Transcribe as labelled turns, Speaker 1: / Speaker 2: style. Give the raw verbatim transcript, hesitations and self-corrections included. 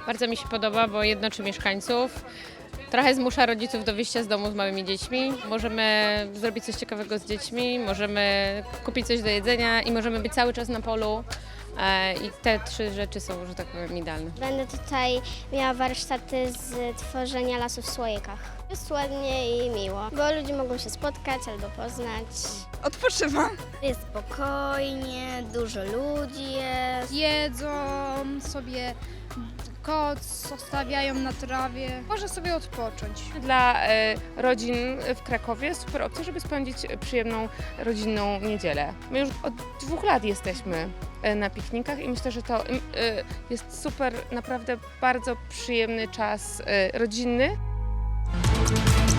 Speaker 1: Bardzo mi się podoba, bo jednoczy mieszkańców. Trochę zmusza rodziców do wyjścia z domu z małymi dziećmi. Możemy zrobić coś ciekawego z dziećmi, możemy kupić coś do jedzenia i możemy być cały czas na polu. E, I te trzy rzeczy są, że tak powiem, idealne.
Speaker 2: Będę tutaj miała warsztaty z tworzenia lasów w słoikach. Jest ładnie i miło, bo ludzie mogą się spotkać albo poznać.
Speaker 3: Odpoczywam.
Speaker 2: Jest spokojnie, dużo ludzi jest.
Speaker 4: Jedzą sobie koc, zostawiają na trawie. Można sobie odpocząć.
Speaker 5: Dla e, rodzin w Krakowie super opcja, żeby spędzić przyjemną rodzinną niedzielę. My już od dwóch lat jesteśmy e, na piknikach i myślę, że to e, jest super, naprawdę bardzo przyjemny czas e, rodzinny.